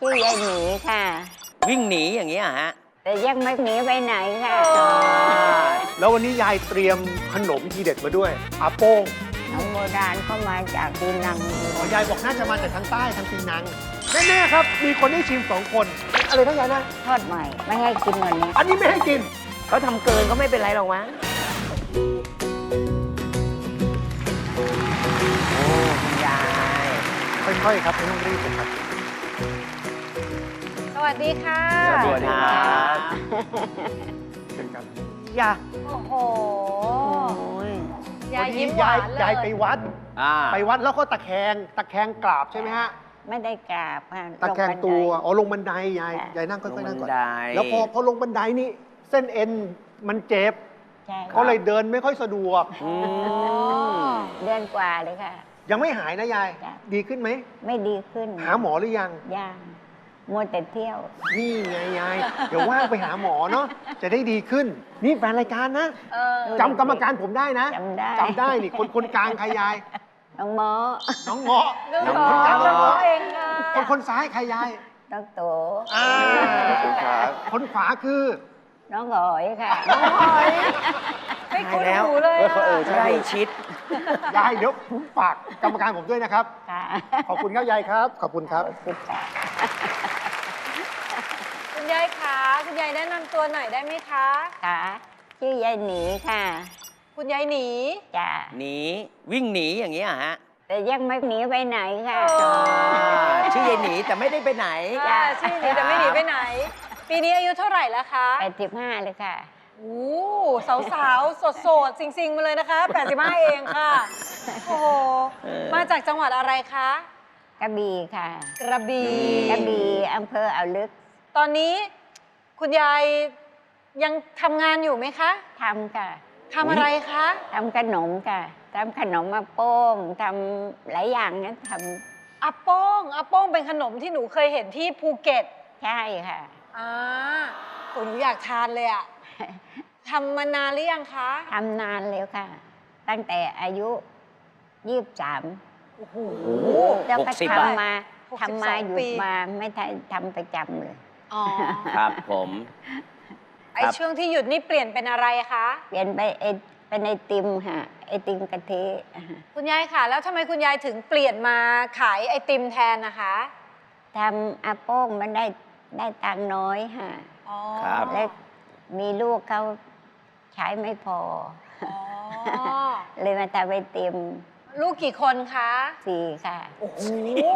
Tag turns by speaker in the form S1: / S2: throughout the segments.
S1: ชื่อยายหนีค่ะ
S2: วิ่งหนีอย่างนี้ยฮะ
S1: แต่ยังไม่หนีไปไหนค่ะ
S3: แล้ววันนี้ยายเตรียมขนมทีเด็ดมาด้วยอาโป้ง
S1: น้องโบราณก็มาจากปีนัง
S3: ยายบอกน่าจะมาจากทางใต้ทางปีนังแน่ๆครับมีคนได้ชิม2 คนอะไรทั้งยายนะ
S1: ทอดใหม่ ไม่ให้กินวันนี้
S3: อันนี้ไม่ให้กิน
S2: เขาทำเกินก็ไม่เป็นไรหรอกมั้งโอ้คุณยาย
S3: ค่อยๆครับไม่ต้องรีบครับ
S4: สวัสดีค่ะ
S2: สวัสดีครับ
S3: เป็นครับ
S2: ยา
S4: โอ้โห
S1: โอ้ย
S4: ยายยิ้มห
S3: ยาว
S4: าย นเลย
S3: ยายไปวัด
S2: อ่า
S3: ไปวัดแล้วก็ตะแคงกราบใช่ไหมฮะ
S1: ไม่ได้กราบค่ะ
S3: ตะแคง
S1: ลบันได
S3: ตัวอ๋อลงบันไดยายนั่ง
S2: ล
S3: ค่
S2: ง
S3: อยๆนั่งก่อน
S2: บันได
S3: แล้วพอลงบันไดนี่เส้นเอ็นมันเจ็บ
S1: ใช่
S3: ก็เลยเดินไม่ค่อยสะดวก
S2: อืม
S1: เดือนกว่าเลยค่ะ
S3: ยังไม่หายนะยาย
S1: จ้ะ
S3: ดีขึ้นไหม
S1: ไม่ดีขึ้น
S3: หาหมอหรือยัง
S1: ยังมัวแต่เที่ยว
S3: นี่ไงยาย เดี๋ยวว่างไปหาหมอเนาะ จะได้ดีขึ้น นี่แฟนรายการนะ
S4: เออ
S3: จำกรรมการผมได้นะ
S1: จำได้
S3: จำได้นี่คนกลางใครยาย
S1: น้องหมอ
S3: น้องเงาะ
S4: น้อง
S2: น้อง
S4: หมอ
S2: หมอ
S4: น้องหมอเองค่ะ
S3: คนซ้ายใครยาย
S1: น้องโต
S3: อ่าคนขวาคือ
S1: น้องหอยค่ะ
S4: ไม่คุ้น
S2: แล้ว
S4: หูเลยอะ
S2: ใกล้ชิด
S3: ยายเดี๋ยวฝากกรรมการผมด้วยนะครับ
S1: ค่ะ
S3: ขอบคุณครับยายครับ ขอบคุณครับ
S1: คุณค่ะ
S4: คุณยายคะคุณยายแนะนำตัวหน่อยได้ไหมคะ
S1: ค่ะชื่อยายหนีค่ะ
S4: คุณยายหนี
S1: จ้ะ
S2: หนีวิ่งหนีอย่างนี้ยฮะ
S1: แต่ยังไม่หนีไปไหนค่ะ
S2: อ่าชื่อยายหนีแต่ไม่ได้ไปไหน
S4: ชื่อหนีแต่ไม่หนีไปไหน ปีนี้อายุเท่าไหร่แล้วคะ
S1: 85เลยค่ะ
S4: โอ้สาวๆโสดๆซิงๆมาเลยนะคะ85เองค่ะ โอ้โห
S2: เออ
S4: มาจากจังหวัดอะไรคะ
S1: กระบี่ค่ะ
S4: กระบี่
S1: กระบี่อำเภออ่าวลึก
S4: ตอนนี้คุณยายยังทำงานอยู่ไหมคะ
S1: ทำค่ะ
S4: ทำอะไรคะ
S1: ทำขนมค่ะทำขนมมาโป้งทำหลายอย่างนะท
S4: อาโป้งอาโป้งเป็นขนมที่หนูเคยเห็นที่ภูเก็ต
S1: ำใช่ค่ะ
S4: อ่าโหหนูอยากทานเลยอะทำมานานหรือยังคะ
S1: ทำนานแล้วค่ะ ตั้งแต่อายุ23
S4: โอ้โห
S1: แล้วก็
S2: 60
S1: ทำมา
S4: 62
S1: ทำมาหยุ
S4: ปี
S1: ดมาไม่ได้ทำประจำเลย
S4: อ๋อ
S2: ครับผม
S4: ไอช่วงที่หยุดนี่เปลี่ยนเป็นอะไรคะ
S1: เปลี่ยนไปเป็นไอติมค่ะไอติมกะทิ
S4: คุณยายค่ะ แล้วทำไมคุณยายถึงเปลี่ยนมาขายไอติมแทนนะคะ
S1: ทำอาโป้งมันได้ตังค์น้อยค่ะ
S4: อ๋อ
S2: ครับ
S1: และมีลูกเขาใช้ไม่พอ
S4: อ๋อ
S1: เลยมาทำไอติม
S4: ลูกกี่คนคะ
S1: 4 ค่ะ
S4: โอ้โห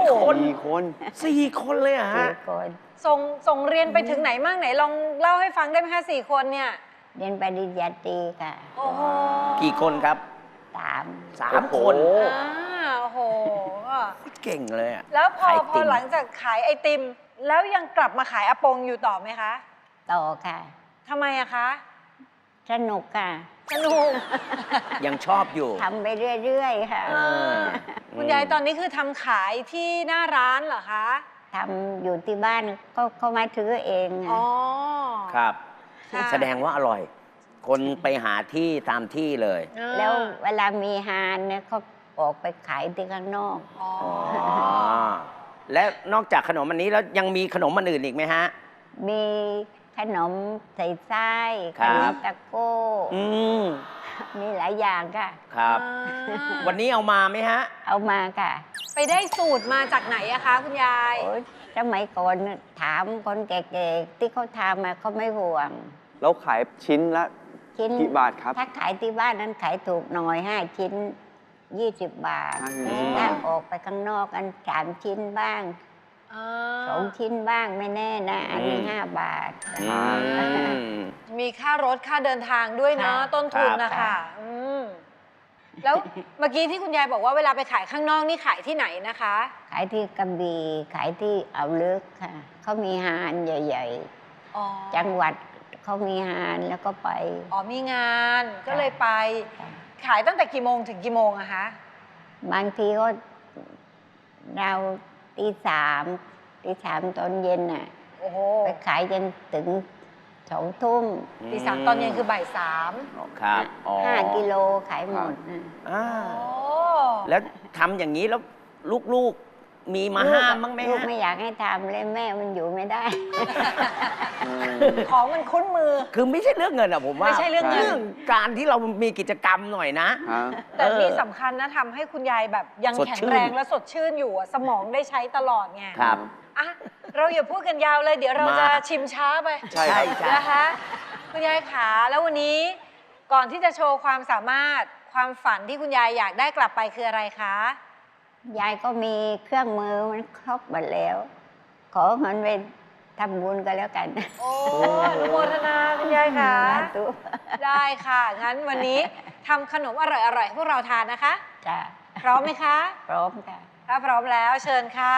S2: 4 คนเลยเหรอะฮะ
S1: 4 คน
S4: ส่งเรียนไปถึงไหนมั่งไหนลองเล่าให้ฟังได้ไหมคะ4 คนเนี่ย
S1: เรียนปริญญาตรีค่ะ
S4: โอ้โห
S2: กี่คนครับ
S1: 3
S2: 3 คน
S4: อ่าโอ้โห
S2: เก่งเลยอะ
S4: แล้วพอ
S2: ขายติ่ม
S4: หลังจากขายไอติม แล้วยังกลับมาขายอาปงอยู่ต่อไหมคะ
S1: ต่อค่ะ
S4: ทำไมอะคะ
S1: สนุกค่ะ
S4: สนุก
S2: ยังชอบอยู่
S1: ทำไปเรื่อยๆค่ะ
S2: เออ
S4: คุณยายตอนนี้คือทำขายที่หน้าร้านเหรอคะ
S1: ทำอยู่ที่บ้านก็เขามาถือเอง
S4: อ๋อ
S2: ครับ
S4: ค่ะ
S2: แสดงว่าอร่อย คนไปหาที่ตามที่เลย
S4: อ่า
S1: แล้วเวลามีฮานเนี่ยเขาออกไปขายที่ข้างนอก
S4: อ๋อ
S2: อ๋อ และนอกจากขนมอันนี้แล้วยังมีขนมอันอื่นอีกไหมฮะ
S1: มีขนมใส่ไส้
S2: ค
S1: ข
S2: รับ
S1: นมตะโก้
S2: อืม
S1: มีหลายอย่างค่ะ
S2: ครับ
S4: อ่า
S2: วันนี้เอามาไหมฮะ
S1: เอามาค่ะ
S4: ไปได้สูตรมาจากไหนอะคะ คุณยาย
S1: โอ้ยสมัยก่อนน่ะถามคนแก่ๆที่เขาทำมาเขาไม่ห่วง
S5: แล้วขายชิ้นละ
S1: ชิ้น
S5: กี่บาทครับ
S1: ถ้าขายที่บ้านนั้นขายถูกหน่อย 5 ชิ้น 20 บาท
S5: ห้าชิ้น
S1: ถ้าออกไปข้างนอกกัน3 ชิ้นบ้าง
S4: อ่า
S1: 2 ชิ้นบ้างไม่แน่นะ อันนี้
S2: อืม
S1: 5 บาท
S2: อืม
S4: มีค่ารถค่าเดินทางด้วยเนาะ
S1: ค่ะ
S4: ต้นทุนนะ
S1: ครั
S4: คะ
S1: บ
S4: อืมแล้วเมื่อกี้ที่คุณยายบอกว่าเวลาไปขายข้างนอกนี่ขายที่ไหนนะคะ
S1: ขายที่กระบี่ขายที่อ่าวลึกค่ะ เขามีฮานใหญ่
S4: อ๋อ
S1: ๆ จังหวัดเขามีฮานแล้วก็ไป
S4: อ๋อมีงานก็เลยไป ขายตั้งแต่กี่โมงถึงกี่โมงอะคะ
S1: บางทีก็เราตี 3ตอนเย็นน่ะ
S4: โอ้โห
S1: ไปขายจนถึง2 ทุ่ม
S4: ตีสามตอนเย็นคือบ่ายสาม
S2: ครับอ๋อ
S1: 5 กิโลขายหมดนะ
S2: อ่า
S4: โอ้
S2: แล้วทำอย่างนี้แล้วลูกๆมีมาห้ามบ้างไหม
S1: ลูก
S2: ฮะ
S1: ไม่อยากให้ทำเลยแม่มันอยู่ไม่ได้
S4: ของมันคุ้นมือ
S2: คือไม่ใช่เรื่องเงินอะผมว่า
S4: ไม่ใช่เรื่องเงิน
S2: การที่เรามีกิจกรรมหน่อยนะ
S5: ครับ
S4: แต่นี่สำคัญนะทำให้คุณยายแบบยัง
S2: สด
S4: แข็ง
S2: ชื่น
S4: แรงและสดชื่นอยู่อะสมองได้ใช้ตลอดไง
S2: ครับ
S4: อ่ะเราอย่าพูดกันยาวเลย เดี๋ยวเรา
S2: มา
S4: จะชิมช้าไป
S5: ใช่ครับ
S2: ใช่
S4: นะคะคุณยายขาแล้ววันนี้ก่อนที่จะโชว์ความสามารถความฝันที่คุณยายอยากได้กลับไปคืออะไรคะ
S1: ยายก็มีเครื่องมือมันครบหมดแล้ว ขอเงินไปทำบุญก็แล้วกัน
S4: โอ้อนุโมทนาคุณยายค่ะ
S1: สาธุ
S4: ได้ค่ะ งั้นวันนี้ทำขนมอร่อยๆให้พวกเราทานนะคะ
S1: จ้ะ
S4: พร้อมไหมคะ
S1: พร้อมค่ะ
S4: ถ้าพร้อมแล้วเชิญค่ะ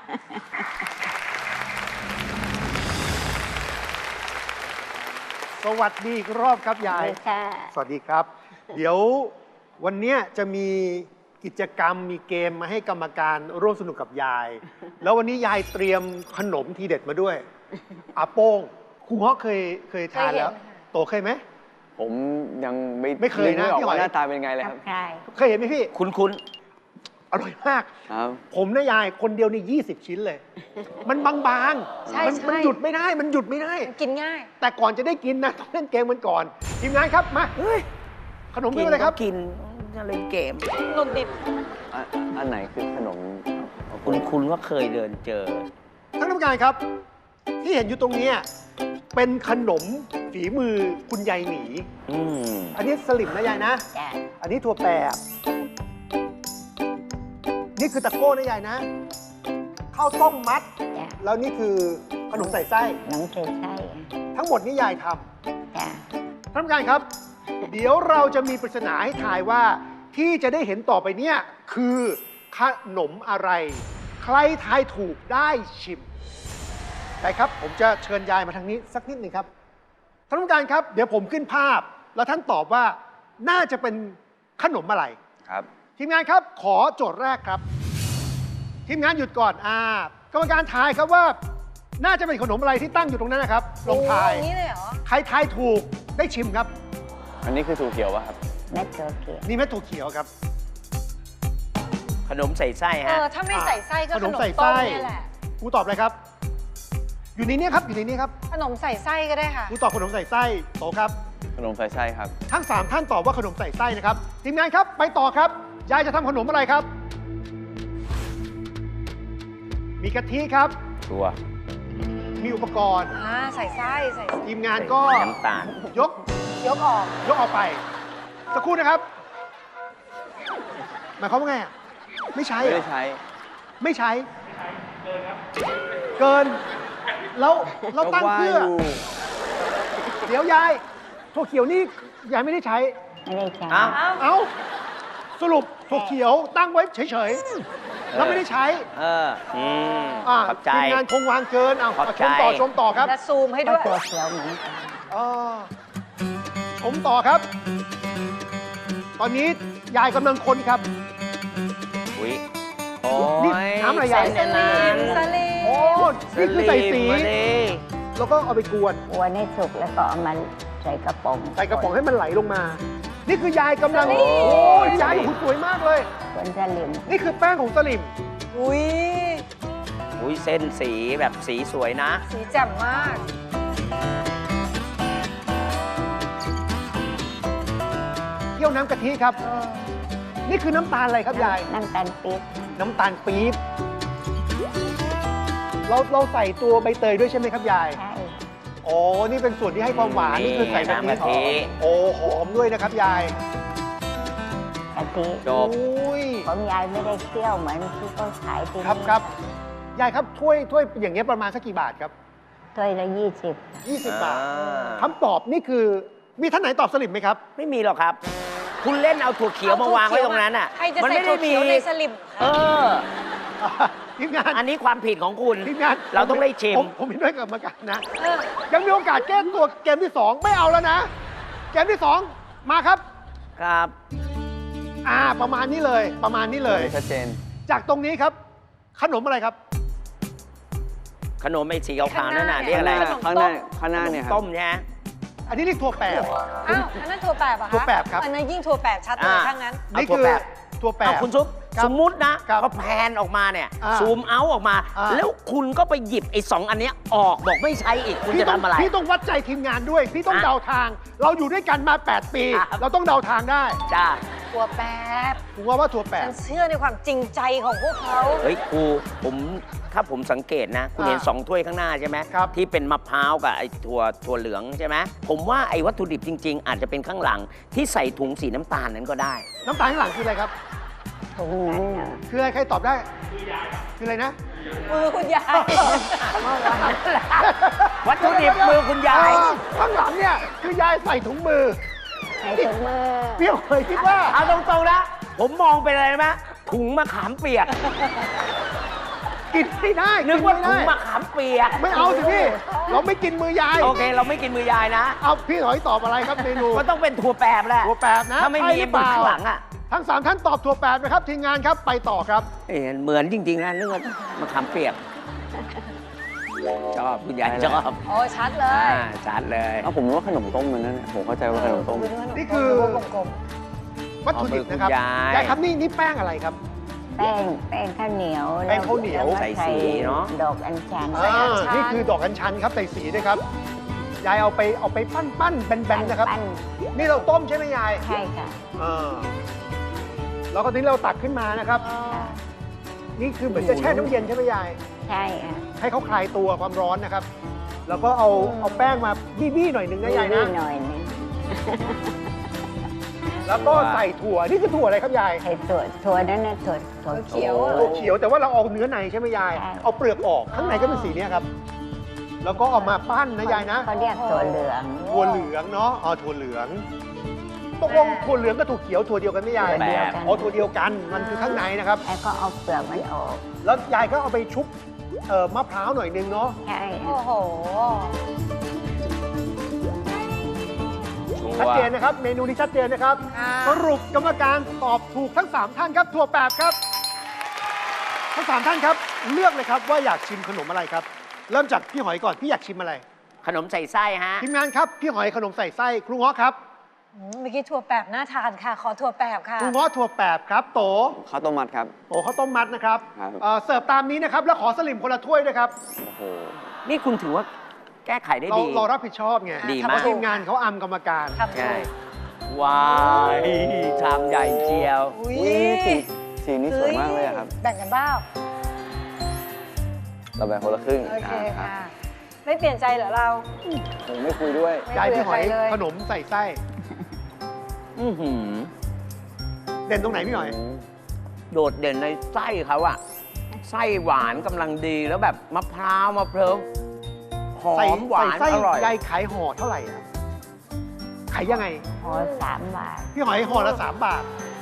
S3: สวัสดีอีกรอบครับยาย
S1: ดีค่ะ
S3: สวัสดีครับ เดี๋ยววันเนี้ยจะมีกิจกรรมมีเกมมาให้กรรมการร่วมสนุกกับยาย แล้ววันนี้ยายเตรียมขนมทีเด็ดมาด้วยอาโป้งครูเงาะเคยทานแล้ว
S4: เคยเห็นค่ะ
S3: โตเคยไหม
S5: ผมยัง
S3: ไม่เคยนะ
S5: นึกไม่ออก
S3: พี่หอ
S5: ว่าย หน้าตาเป็นไงเลยครับ
S1: ใช่
S3: เคยเห็นไหมพี่
S2: คุ้น
S3: อร่อยมาก
S5: ครับ
S3: ผมนะยายคนเดียวนี่20 ชิ้นเลย มันบางๆ
S4: ใช่
S3: มันหยุดไม่ได้ มันหยุดไม่ได้
S4: กินง่าย
S3: แต่ก่อนจะได้กินนะต้องเล่นเกมกันก่อน ทีมงานครับมา
S2: ๆเฮ้ย
S3: ขนมคืออะไรครับ
S2: กินจะเล่นเกม
S4: หนุนดิบ
S5: อันไหนคือขนม
S2: คุณว่าเคยเดินเจอ
S3: ท่านกรรมการครับ ที่เห็นอยู่ตรงเนี้ยเป็นขนมฝีมือคุณยายหนี
S2: อืม
S3: อันนี้สลิมนะยายนะ
S1: จ้ะ
S3: อันนี้ถั่วแปบนี่คือตะโก้นะยายนะข้าวต้มมัด
S1: จ้ะ
S3: แล้วนี่คือขนมใส่ไส้
S1: น้องเกลือไส้
S3: ทั้งหมดนี่ยายท
S1: จ้ะ
S3: ำท่านกรรมการครับ เดี๋ยวเราจะมีปริศนาให้ทายว่า ที่จะได้เห็นต่อไปเนี่ยคือขนมอะไร ใครทายถูกได้ชิมได้ครับ ผมจะเชิญยายมาทางนี้สักนิดหนึ่งครับท่านกรรมการครับ เดี๋ยวผมขึ้นภาพ แล้วท่านตอบว่าน่าจะเป็นขนมอะไร
S5: ครับ
S3: ทีมงานครับขอโจทย์แรกครับ ทีมงานหยุดก่อนกรรมการทายครับว่า น่าจะเป็นขนมอะไรที่ตั้งอยู่ตรงนั้นนะครับลองทาย
S4: โอ้อย่างนี้เลยเหรอ
S3: ใครทายถูกได้ชิมครับ
S5: อันนี้คือถั่วเขียวป่ะครับ
S1: เม็ดตัวเขียว
S3: นี่เม็ดถั่วเขียวครับ
S2: ขนมใส่ไส้
S4: เอ
S2: ฮะ
S4: อ ถ้าไม่ใส่ไส้ก็
S3: ข
S4: ข
S3: น
S4: น
S3: ม
S4: ม
S3: ใส่
S4: ต้
S3: ไส้
S4: มเนี่ยแหละ
S3: ครูตอบเลยครับ อยู่ในนี้ครับอยู่ในนี้ครับ
S4: ขนมใส่ไส้ก็ได้ค่ะ
S3: ครูตอบขนมใส่ไส้โตครับ
S5: ขนมใส่ไส้ครับ
S3: ทั้ง3ท่านตอบว่าขนมใส่ไส้นะครับทีมงานครับไปต่อครับยายจะทำขนมอะไรครับ มีกะทิครับ
S5: ถั่ว
S3: มีอุปกรณ์
S4: ใส่ไส้ใส่ไส้
S3: ทีมงานก็
S2: น้ำตาล
S3: ยก
S4: ยกออก
S3: ยกออกไปสักครู่นะครับหมายความว่าไงอะไม่ใช้
S5: ไม่
S3: เหร
S5: ได้
S3: อ
S5: ใช้
S3: ไม่ใช้เกินแล้วเราตั้งเพื่อ เดี๋ยวยายถั่วเขียวนี่ยายไม่ได้ใช้
S1: ไม่ได้ใช้
S2: อ้าว
S4: เอ้า
S3: เอ้าสรุปถั่วเขียวตั้งไว้เฉยๆแล้วไม่ได้ใช้
S2: เออ อืม ขอบใจ
S3: ทีมงานคงวางเกินเอา
S2: ขอบใจ
S3: ชมต่อครับ
S4: และซูมให้
S1: ก็
S4: ด้วย
S1: ตัวเขียวเหมือนกัน
S3: อ่าชมต่อครับ ตอนนี้ยายกำลังคนครับ
S2: อุ้ยโอ้
S3: นี่
S2: ย
S3: น้ำอะไรยาย
S2: เส้นในนั้น
S4: สลิม
S3: โอ้นี่คือใส่สี
S2: มาดิ
S3: แล้วก็เอาไปกวน
S1: กวนให้สุกแล้วก็เอามาใส่กระป๋อง
S3: ใส่กระป๋องให้มันไหลลงมา นี่คือยายกำลัง โอ้ยยายหุ่นสวยมากเลย
S1: กวนสลิม
S3: นี่คือแป้งของสลิม
S4: อุ้ย
S2: อุ้ยเส้นสีแบบสีสวยนะ
S4: สีแจ่มมาก
S3: เคี่ยวน้ำกะทิครับ นี่คือน้ำตาลอะไรครับยาย
S1: น้ำตาลปี๊บ
S3: น้ำตาลปี๊บ เราใส่ตัวใบเตยด้วยใช่ไหมครับยาย
S1: ใช่
S3: อ๋อ นี่เป็นส่วนที่ให้ความหวาน นี่คือใส่กะทิ
S2: น้ำกะทิ
S3: โอ้หอมด้วยนะครับยาย
S1: กะทิ
S2: จบ
S3: อุ้ย
S1: ของยายไม่ได้เคี่ยวเหมือนที่เขาขายที่นี่
S3: ครับ ยายครับถ้วยอย่างเงี้ยประมาณสักกี่บาทครับ
S1: ถ้วยละ
S3: 20 บาท
S2: อ่า
S3: คำตอบนี่คือ มีท่านไหนตอบสลิมไหมครับ
S2: ไม่มีหรอกครับ คุณเล่นเอาถั่วเขียวมาวางไว้ตรงนั้นอ่ะ
S4: ใครจะ
S2: มั
S4: ใส่
S2: ไม่
S4: ถั่
S2: ได้
S4: ว
S2: มี
S4: เขียวในสลิม
S2: เอ
S4: คะ
S2: อ
S3: ทีมงาน
S2: อันนี้ความผิดของคุณ
S3: ทีมงาน
S2: เราต้องได้ชิม
S3: ผมเห็นด้วยกับกรรมการนะ
S4: เออ
S3: ยังมีโอกาสแก้ตัวเกมที่ 2 ไม่เอาแล้วนะ เกมที่ 2 มาครับ
S2: ครับ
S3: ประมาณนี้เลย ประมาณนี้เลย
S5: ชัดเจน
S3: จากตรงนี้ครับ ขนมอะไรครับ
S2: ขนมไอ้สีขาวๆนั่นน่ะเรียก
S5: ข้าง
S2: อะไร
S5: หน้า
S4: ขนมต้ม
S5: ข้างหน้าเนี่ยครับ
S2: ต้มใช่ไหม
S3: อันนี้เรียกถั่วแปบ
S4: อ้าว อันนั้นถั่วแปบเหรอะคะ
S3: ถั่วแปบครับ
S4: อันนั้นยิ่งถั่วแปบชัดเลย
S2: อ่า
S4: ถ้างั้น
S2: เอา
S3: นี่
S2: ถั่ว
S3: คือ
S2: แปบ
S3: ถั่วแป
S2: เอา
S3: บ
S2: คุณซุป
S3: ครับ
S2: สมมุตินะครับ พอแพนออกมาเนี่ย ซูมเอาออกมา แล้วคุณก็ไปหยิบไอ้สองอันเนี้ยออกบอกไม่ใช่อีกคุณจะทำอะไร
S3: พี่ต้องวัดใจทีมงานด้วย พี่ต้อง
S2: อ่ะ
S3: เดาทาง เราอยู่ด้วยกันมา 8 ปี
S2: ครับ
S3: เราต้องเดาทางได้
S2: จ้า
S4: ตัวแปบ
S3: ผมว่าถั่วแป
S4: ฉั
S3: บ
S4: นเชื่อในความจริงใจของพวกเขา
S2: เฮ้ยครูถ้าผมสังเกตนะ คุณเห็น 2 ถ้วยข้างหน้าใช่ไหม
S3: ครับ
S2: ที่เป็นมะพร้าวกับไอ้ถั่วเหลืองใช่ไหมผมว่าไอ้วัตถุดิบจริง ๆ อาจจะเป็นข้างหลังที่ใส่ถุงสีน้ำตาลนั้นก็ได้
S3: น้ำตาลข้างหลังคืออะไรครับ
S1: ถุงนั้นน่ะ
S3: คืออะไรใครตอบได้ คืออะไรนะ
S4: มือคุณยาย
S2: วัตถุดิบมือคุณยาย
S3: ข้างหลังเนี่ยคือยายใส่ถุงมือ
S1: ใส่ถุงมือ
S3: เปรี้ยวเคยคิดว่า
S2: เอาตรงๆนะ ผมมองเป็นอะไรไหมถุงมะขามเปียก
S3: กินไม่ได้
S2: นึกว่า
S3: ไม่
S2: ถุง
S3: ได้
S2: มะขามเปียก
S3: ไม่เอาสิพี่ เราไม่กินมือยาย
S2: โอเค เราไม่กินมือยายนะ
S3: เอาพี่หอยตอบอะไรครับเมนู
S2: ก็ต้องเป็นถั่วแปบแหละ
S3: ถั่วแปบนะ
S2: ถ้าไม่มี
S3: ใช่หรือเป
S2: มือ
S3: ล่า
S2: ข้างหลังอ่ะ
S3: ทั้ง 3 ท่านตอบถั่วแปบนะครับทีมงานครับไปต่อครับ
S2: เหมือนจริงๆนะนึกว่ามะขามเปียก ชอบคุณยายชอบ
S4: โอ้ชัดเลย
S2: ชัดเลย
S5: เอาผมนึกว่าขนมต้มมันนั่นน่ะผมเข้าใจว่าขนมต้ม
S3: นี่คือ
S4: กลม
S3: วัตถุดิบนะครับ
S2: เอามือคุณยาย
S3: ยายครับนี่แป้งอะไรครับ
S1: แป้งข้าวเหนียว
S3: แป้งข้าวเหนียว
S1: แล้ก็
S2: ใส่สีเนอะ
S1: ดอกอัญชัน
S3: นี่คือดอกกัญชันครับใส่สีด้วยครับ ยายเอาไปปั้นแบนๆนะครับ
S1: ปั้น
S3: นี่เราต้มใช่ไหมยาย
S1: ใช่ค่ะ
S3: แล้วก็ทีนี้เราตักขึ้นมานะครับ
S1: ค่ะ
S3: นี่คือเหมือนจะแช่น้ำเย็นใช่ไหมยาย
S1: ใช่ค่ะ
S3: ให้เขาคลายตัวความร้อนนะครับ แล้วก็เอาแป้งมาบี้ๆหน่อยหนึงนะยาย
S1: นิ
S3: นะ
S1: ดหน่อยนึง
S3: แล้วก็ใส่ถั่ว นี่คือถั่วอะไรครับยาย
S1: ใส่ถั่วนั่นนะถั่วเขียว
S3: ถั่วเขียวแต่ว่าเราเอาเนื้อในใช่ไหมยาย
S1: ใช่
S3: เอาเปลือกออก ข้างในก็เป็นสีเนี้ยครับ แล้วก็เอามาปั้นนะยายนะ
S1: เขาเรียกถั่วเหลือง
S3: ถั่วเหลืองเนาะถั่วเหลืองตกลงถั่วเหลืองกับถั่วเขียวถั่วเดียวกันไหมยาย
S1: ถั่วเดียวกัน
S3: ถั่วเดียวกัน มันคือข้างในนะครับ
S1: แล้วก็เอาเปลือกมันออก
S3: แล้วยายก็เอาไปชุบมะพร้าวหน่อยนึงเนาะ
S1: ใช่
S4: โอ้โห
S3: ชัดเจนนะครับ เมนูนี้ชัดเจนนะครับ
S4: ค่ะ
S3: สรุปกรรมการตอบถูกทั้ง 3 ท่านครับถั่วแปบครับ ทั้ง 3 ท่านครับ เลือกเลยครับว่าอยากชิมขนมอะไรครับ เริ่มจากพี่หอยก่อนพี่อยากชิมอะไร
S2: ขนมใส่ไส้ฮะ
S3: ทีมงานครับพี่หอยขนมใส่ไส้ครูง้อครับ
S4: เมื่อกี้ถั่วแปบน่าทานค่ะ ขอถั่วแปบค่ะ
S3: ครูง้อถั่วแปบครับโต
S5: ข้าวต้มมัดครับ
S3: โตข้าวต้มมัดนะครับ
S5: ครับ
S3: เสิร์ฟตามนี้นะครับแล้วขอสลิมคนละถ้วยด้วยครับ
S5: โอ้โห
S2: นี่คุณถือว่าแก้ไขได้ดี
S3: เรารับผิดชอบไง
S2: ดีมาก
S3: เพราะทีมงานเขาอำกรรมการ
S4: ทำ
S2: ใช่
S4: ถูก
S2: ว้ายชามใหญ่เจียว
S4: อุ้ย
S5: อุ๊ยสีนี้สวยมากเลยอะครับ
S4: แบ่งกันบ้าง
S5: เราแบ่งคนละครึ่ง
S4: โอเค
S5: รับ
S4: ค่ะ ไม่เปลี่ยนใจเหรอเรา
S5: ผมไม่คุยด้วย
S3: ยายพี่หอย
S4: ไม่คุยกับใครเลย
S3: ขนมใส่ไส้
S2: อื้อหือ
S3: เด่นตรงไหนพี่หอย
S2: โดดเด่นในไส้เขาอะไส้หวานกำลังดีแล้วแบบมะพร้าวมะเพร้าวหอ
S3: ใส่
S2: มหวาน
S3: ไส้
S2: อร่อย
S3: ยายขายห่อเท่าไหร่อะขายยังไง
S1: ห่อ3 บาท
S3: พี่หอยห่อละ3 บาท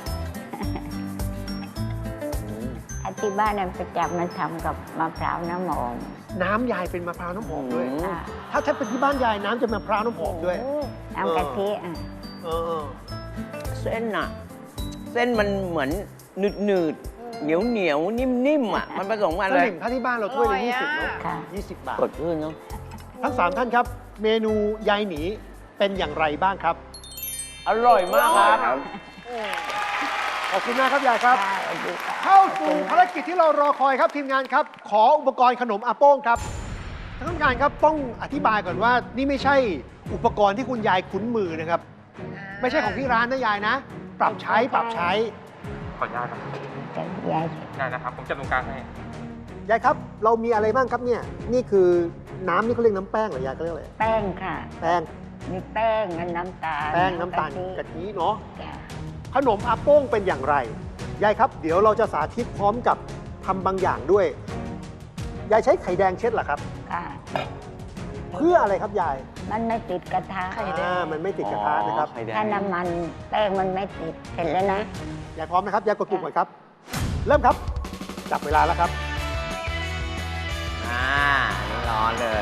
S1: ถ้าที่บ้านนั้นประจำมันทำกับมะพร้าวน้ำหอม
S3: น้ำยายเป็นมะพร้าวน้ำหอมด้วย
S2: อืม
S1: อ่ะ
S3: ถ้าเป็นที่บ้านยายน้ำจะมะพร้าวน้ำหอมด้วย
S1: น้ำกะทิอ่ะ
S3: เออ
S2: เส้นอะเส้นมันเหมือนหนืดเหนียวนิ่มๆอะมันผสมกัน
S3: ส
S2: เลย
S3: ลิมถ้าที่บ้านเราถ้วยละ
S4: อร่อยอะ
S3: 20เนาะ
S1: ค่ะ
S3: 20 บาท
S2: กดขึ้นเนาะ
S3: ทั้ง 3 ท่านครับ เมนูยายหนีเป็นอย่างไรบ้างครับ
S2: อร่อยมากครับ
S3: ขอบคุณมากครับยายครับ
S1: ค่ะสวัสดีค่ะ
S3: เข้าสู่ภารกิจที่เรารอคอยครับทีมงานครับ ขออุปกรณ์ขนมอาโป้งครับท่านผู้การครับต้องอธิบายก่อนว่านี่ไม่ใช่อุปกรณ์ที่คุณยายคุ้นมือนะครับ ไม่ใช่ของที่ร้านนะยายนะ ปรับใช้
S1: ขออนุญาตครับ จะยาย
S6: ได้นะครับ ผมจับตรงกลางให้
S3: ยายครับ เรามีอะไรบ้างครับเนี่ย นี่คือน้ำนี่เขาเรียกน้ำแป้งเหรอยายเขาเรียกอะไร
S1: แป้งค่ะ
S3: แป้ง
S1: มีแป้งและน้ำตาล
S3: แป้งน้ำตาล
S1: กะ
S3: กะทิเนาะ
S1: จ้ะ
S3: ขนมอาโป้งเป็นอย่างไร ยายครับ เดี๋ยวเราจะสาธิตพร้อมกับทำบางอย่างด้วย ยายใช้ไข่แดงเช็ดเหรอครับ
S1: ค่ะ
S3: เพื่ออะไรครับยาย
S1: มันไม่ติดกระทะ
S3: มันไม่ติดกระทะนะครับ
S5: ไข่แดง
S1: ถ้าน้ำมันแป้งมันไม่ติดเสร็จแล้วนะ
S3: ยายพร้อมนะครับ ยายกดปุ่มก่อนครับ เริ่มครับ จับเวลาแล้วครับ
S2: นี่ร้อนเลย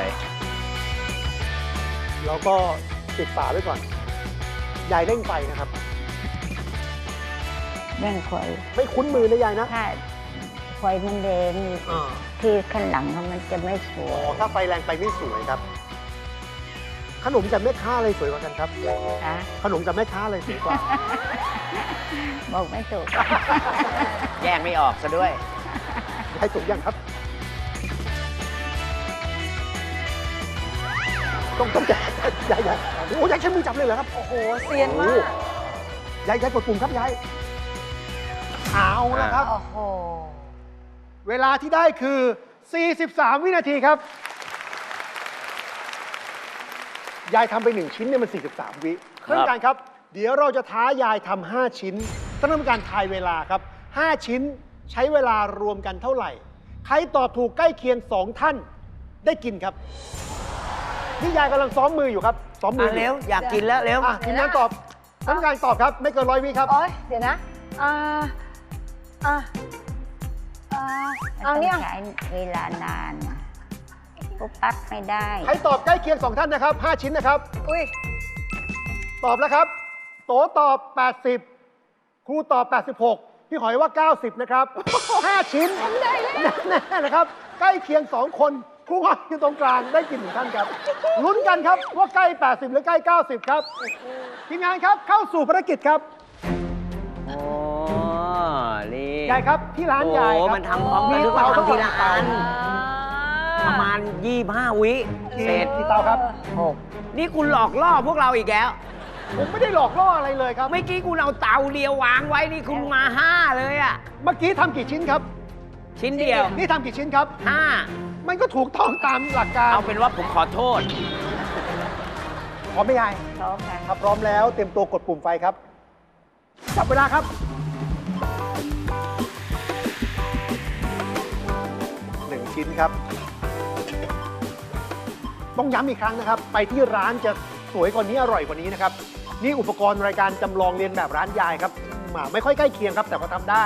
S3: แล้วก็ปิดฝาไว้ก่อน ยายเร่งไฟนะครับ
S1: แบ่งคอย
S3: ไม่คุ้นมือนะยายนะ
S1: ถ้าคอยมันแดง
S3: อ่า
S1: ที่ข้างหลังมันจะไม่สว
S3: อ๋อย ถ้าไฟแรงไปไม่สวยครับ ขขนมกับแม่ค้าอะไรสวยกว่ากันครับ
S1: ค่ะ
S3: ขนมกับแม่ค้าอะไรสวยกว่า
S1: บอกไม่ถูก
S2: แยกไม่ออกซะด้วย
S3: ยายสุกยังครับ ต้องยายโอ้ยายใช้มือจับเลยเหรอครับ
S4: โอ้โหเซียนมาก
S3: ยายกดปุ่มครับยายเอาละครับ
S4: โอ้โห
S3: เวลาที่ได้คือ 43 วินาทีครับ ยายทำไป 1 ชิ้นเนี่ยมัน 43 วิ
S2: ครับ
S3: ท่านผู้การครับ เดี๋ยวเราจะท้ายายทำ5 ชิ้นท่านผู้การทายเวลาครับ 5 ชิ้นใช้เวลารวมกันเท่าไหร่ ใครตอบถูกใกล้เคียง 2 ท่านได้กินครับ นี่ยายกำลังซ้อมมืออยู่ครับซ้อมมืออยู่
S2: เร็ว อยากกินแล้วเร็ว
S3: ทีมงานตอบท่านผู้การตอบครับ ไม่เกิน100 วิครับ
S4: โอ้ยเดี๋ยวนะเอาเนี่ย
S1: ใช้เวลานานอะปุ๊บปั๊บไม่ได้
S3: ใครตอบใกล้เคียง 2 ท่านนะครับ 5 ชิ้นนะครับ
S4: อุ้ย
S3: ตอบแล้วครับ โตตอบ 80 ครูตอบ 86 พี่หอยว่า 90 นะครับ 5 ชิ้นแน่ๆนะครับ ใกล้เคียง 2 คนครูหอยอยู่ตรงกลางได้กิน1ท่านครับ ลุ้นกันครับว่าใกล้ 80 หรือใกล้ 90 ครับ ทีมงานครับเข้าสู่ภารกิจครับ
S2: โอ้นี่
S3: ยายครับที่ร้านยาย
S2: โอ้
S3: ครับ
S2: มันทำพร้อมกันหรือว่าทำทีละอัน ประมาณ 25 วิเสร็จ
S3: กี่เตาครับ
S2: นี่คุณหลอกล่อพวกเราอีกแล้ว
S3: ผมไม่ได้หลอกล่ออะไรเลยครับ
S2: เมื่อกี้คุณเอาเตาเดียววางไว้นี่คุณมา 5 เลยอ่ะ
S3: เมื่อกี้ทำกี่ชิ้นครับ
S2: ชิ้นเดียว
S3: นี่ทำกี่ชิ้นครับ
S2: 5
S3: มันก็ถูกต้องตามหลักการ
S2: เอาเป็นว่าผมขอโทษ
S3: พร้อมไหมยาย
S1: พร้อมกัน
S3: ถ้าพร้อมแล้วเตรียมตัวกดปุ่มไฟครับ จับเวลาครับ 1 ชิ้นครับ ต้องย้ำอีกครั้งนะครับ ไปที่ร้านจะสวยกว่านี้อร่อยกว่านี้นะครับ นี่อุปกรณ์รายการจำลองเรียนแบบร้านยายครับไม่ค่อยใกล้เคียงครับ แต่ก็ทำได้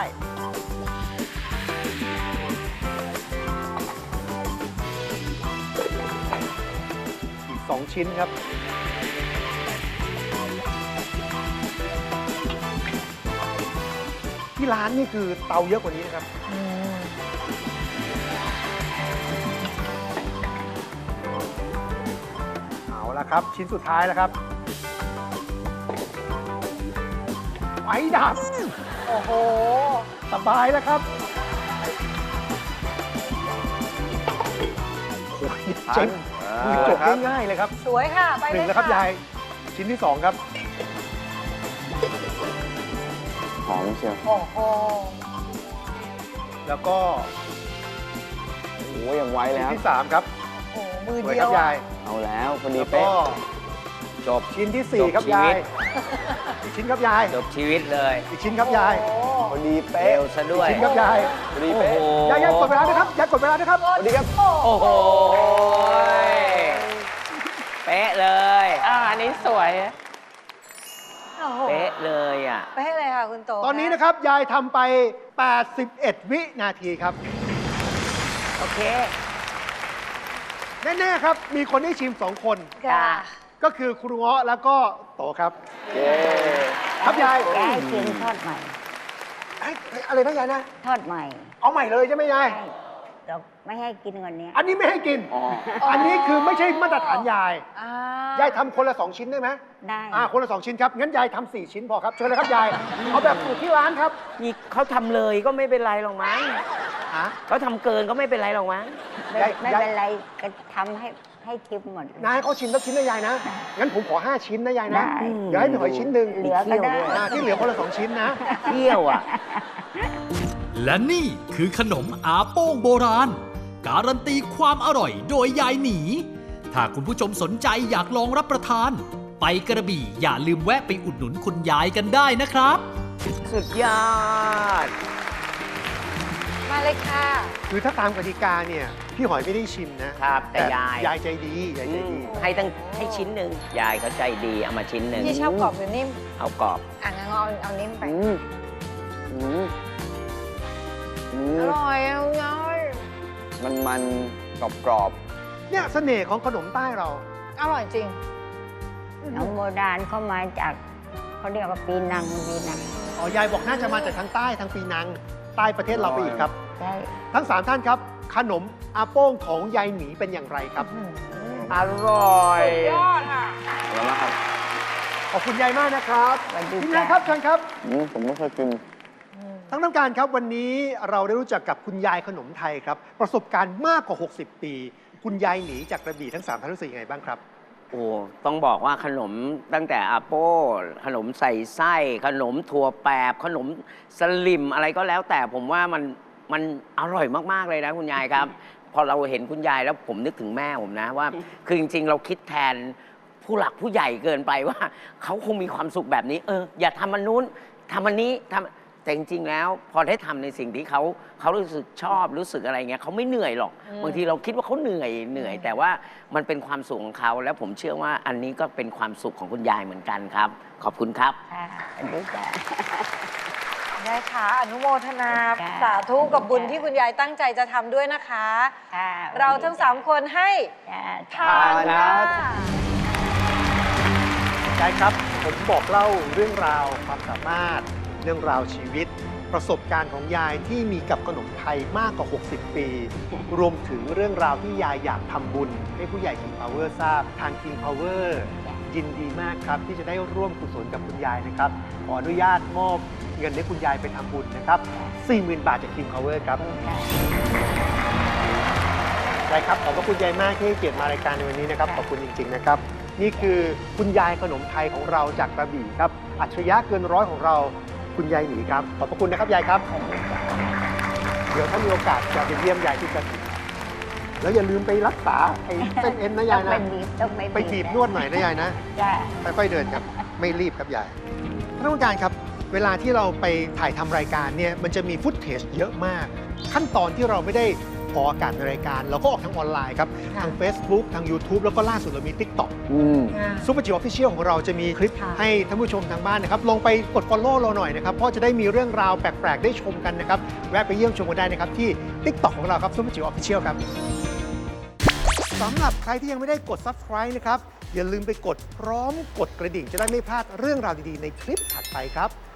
S3: อีก 2 ชิ้นครับ ที่ร้านนี่คือเตาเยอะกว่านี้นะครับ เอาละครับ ชิ้นสุดท้ายแล้วครับไฟดับ
S4: โอ้โห
S3: สบายแล้วครับโอ้ยเจ๋งมือจบง่ายๆเลยครับ
S4: สวยค่ะ ไป
S3: ห
S4: เล
S3: นึ่ง
S4: ย
S3: แล้วครับ
S4: ค่ะ
S3: ยาย ชิ้นที่ 2 ครับ
S5: หอมเชียว
S4: โอ้โห
S3: แล้วก็
S5: โอ้ยยังไว
S3: ชิ้
S5: แล้
S3: น
S5: ว
S3: ที่ 3 ครับ
S4: โอ้โห มือ
S3: สวย
S4: เดี
S3: ค
S4: ย
S3: รั
S4: ว
S3: บยาย
S5: เอาแล้วพอดี
S3: แล้วก็
S5: เป๊ะ
S2: จบ
S3: ชิ้นที่
S2: จบ
S3: 4 ครับ
S2: ชีวิ
S3: ยาย
S2: ต
S3: อีกชิ้นครับยาย
S2: จบชีวิตเลย
S3: อีกชิ้นครับยาย
S4: โอ้
S5: พอดี
S2: เร็
S5: เป๊ะ
S2: วซะด้วย
S3: ชิ้นครับยาย
S5: พอดี
S2: โอ้
S5: เป๊ะ
S2: โห
S3: ยายกดเวลานะครับยายกดเวลานะครับ
S5: สวัสดีครับ
S2: โอ้โห เป๊ะเลย
S6: อันนี้สวย
S4: โอ้โห
S2: เป๊ะเลยอ่ะ
S4: เป๊ะเลยค่ะคุณโต
S3: ตอนนี้นะครับ ยายทำไป 81 วินาทีครับ
S2: โอเค
S3: แน่ๆครับ มีคนได้ชิม 2 คน
S4: ค่ะ
S3: ก็คือครูเงาะแล้วก็โตครับ
S5: เย้
S3: ครับยาย
S1: ยายกินทอดใหม่
S3: เอ้ยอะไรนะยายนะ
S1: ทอดใหม่
S3: เอาใหม่เลยใช่ไหมยาย
S1: ใช่เราไม่ให้กินวันนี้
S3: อันนี้ไม่ให้กิน
S5: อ๋อ
S3: อันนี้คือไม่ใช่มาตรฐานยาย
S4: อ่า
S3: ยายทำคนละ 2 ชิ้นได้ไหม
S1: ได้
S3: คนละ 2 ชิ้นครับ งั้นยายทำ4 ชิ้นพอครับ เชิญเลยครับยาย เอาแบบสูตรที่ร้านครับ
S2: นี่เขาทำเลยก็ไม่เป็นไรหรอกมั้ง
S3: ฮะ
S2: เขาทำเกินก็ไม่เป็นไรหรอกมั้ง
S1: ไม่เป็นไรก็ทำให้ชิมหมดเลย
S3: นายให้เขาชิมสักชิ้นนะยายนะ งั้นผมขอ 5 ชิ้นนะยายนะ
S1: ได้
S3: เดี๋ยวให้พี่หอยชิ้นหนึ่ง
S1: เหลือก็ได้
S3: ที่เหลือคนละ 2 ชิ้นนะ
S2: เที่ยวอ่ะ
S7: และนี่คือขนมอาโป้งโบราณ การันตีความอร่อยโดยยายหนี ถ้าคุณผู้ชมสนใจอยากลองรับประทาน ไปกระบี่อย่าลืมแวะไปอุดหนุนคุณยายกันได้นะครับ
S2: สุดยอด
S4: มาเลยค่ะ
S3: คือถ้าตามกติกาเนี่ย พี่หอยไม่ได้ชิมนะครับ
S2: แต่ยาย
S3: ยายใจดี ยายใจดี
S2: ให้ชิ้นหนึ่งยายเขาใจดีเอามาชิ้นหนึ่ง
S4: พี่ชอบกรอบหรือนิ่ม
S2: เอากรอบ
S4: อ่ะงั้นเอานิ่มไป
S5: อืมอืมอื
S4: อ
S5: ม
S4: ร่อยเอาน้อย
S5: มันกรอบ
S3: เนี่ยเสน่ห์ของขนมใต้เรา
S4: อร่อยจริง
S1: น้องโบราณเข้ามาจากเขาเรียกว่าปีนัง
S3: อ๋อ ยายบอกน่าจะมาจากทางใต้ทางปีนัง ใต้ประเทศเราไปอีกครับ
S1: ใช่
S3: ทั้ง 3 ท่านครับ ขนมอาโป้งของยายหมีเป็นอย่างไรครับ
S1: อ
S2: อร่อย
S4: ยอดค่ะ
S5: อร่อยมากครับ
S3: ขอบคุณยายมากนะครับ
S1: สวัสดี
S3: คุณ
S1: จ้ะ
S3: ยายครับเชิญครับ
S5: ผมไม่เคยกิน
S3: ทั้งน้ำการครับวันนี้เราได้รู้จักกับคุณยายขนมไทยครับ ประสบการณ์มากกว่า 60 ปี คุณยายหนีจากกระบี่ทั้ง3ท่านรู้สึกยังไงบ้างครับ
S2: โอ้ต้องบอกว่าขนมตั้งแต่อาโป้ขนมใส่ไส้ขนมถั่วแปบขนมสลิมอะไรก็แล้วแต่ผมว่ามันอร่อยมากๆเลยนะคุณยายครับ พอเราเห็นคุณยายแล้วผมนึกถึงแม่ผมนะว่า คือจริงๆ เราคิดแทนผู้หลักผู้ใหญ่เกินไปว่าเขาคงมีความสุขแบบนี้อย่าทำมันนู้นทำมันนี้ทำแต่จริงๆแล้วพอได้ทำในสิ่งที่เขารู้สึกชอบรู้สึกอะไรเงี้ยเขาไม่เหนื่อยหรอก บางทีเราคิดว่าเขาเหนื่อย แต่ว่ามันเป็นความสุขของเขาแล้วผมเชื่อว่าอันนี้ก็เป็นความสุขของคุณยายเหมือนกันครับ ขอบคุณครับ
S1: ค่ะสวัสดีจ้ะ
S4: ได้ค่ะ อนุโมทนา
S1: จ้ะ
S4: สาธุกับบุญที่คุณยายตั้งใจจะทำด้วยนะคะ
S1: ค่ะ
S4: เราทั้ง3คนให้
S1: จ้ะ
S4: ทานค่ะ
S3: ยายครับ ผมบอกเล่าเรื่องราวความสามารถ เรื่องราวชีวิต ประสบการณ์ของยายที่มีกับขนมไทยมากกว่า 60 ปี รวมถึงเรื่องราวที่ยายอยากทำบุญ ให้ผู้ใหญ่ King Power ทราบทาง King Power ยินดีมากครับ ที่จะได้ร่วมกุศลกับคุณยายนะครับ ขออนุญาตมอบเงินให้คุณยายไปทำบุญนะครับ 40,000 บาทจาก King Power ครับ ยายครับขอบพระคุณยายมากที่ให้เกียรติมารายการในวันนี้นะครับ ขอบคุณจริง ๆ นะครับ นี่คือคุณยายขนมไทยของเราจากกระบี่ครับ อัจฉริยะเกินร้อยของเราคุณยายหนีครับ ขอบพระคุณนะครับยายครับ เดี๋ยวถ้ามีโอกาสจะไปเยี่ยมยายที่กระบี่แล้วอย่าลืมไปรักษาไอ้เส้นเอ็นนะยาย
S1: ต้อง
S3: นะ
S1: ไปบีบต้องไป
S3: ไปบีบนวดหน่อยนะยายนะ
S1: จ้ะ
S3: ค่อยๆเดินครับ ไม่รีบครับยายท่านผู้การครับ เวลาที่เราไปถ่ายทำรายการเนี่ยมันจะมีฟุตเทจเยอะมาก ขั้นตอนที่เราไม่ได้ออกอากาศในรายการ เราก็ออกทางออนไลน์ครับ ทาง Facebook ทาง YouTube แล้วก็ล่าสุดเรามี TikTok ซุปเปอร์จิ๋วออฟฟิเชียลของเราจะมีคลิป
S4: ค่ะ
S3: ให้ท่านผู้ชมทางบ้านนะครับ ลองไปกด Follow เราหน่อยนะครับ เพราะจะได้มีเรื่องราวแปลก ๆ ได้ชมกันนะครับ แวะไปเยี่ยมชมกันได้นะครับ ที่ TikTok ของเราครับซุปเปอร์จิ๋วออฟฟิเชียลครับสำหรับใครที่ยังไม่ได้กด Subscribe นะครับ อย่าลืมไปกดพร้อมกดกระดิ่งจะได้ไม่พลาดเรื่องราวดี ๆ ในคลิปถัดไปครับ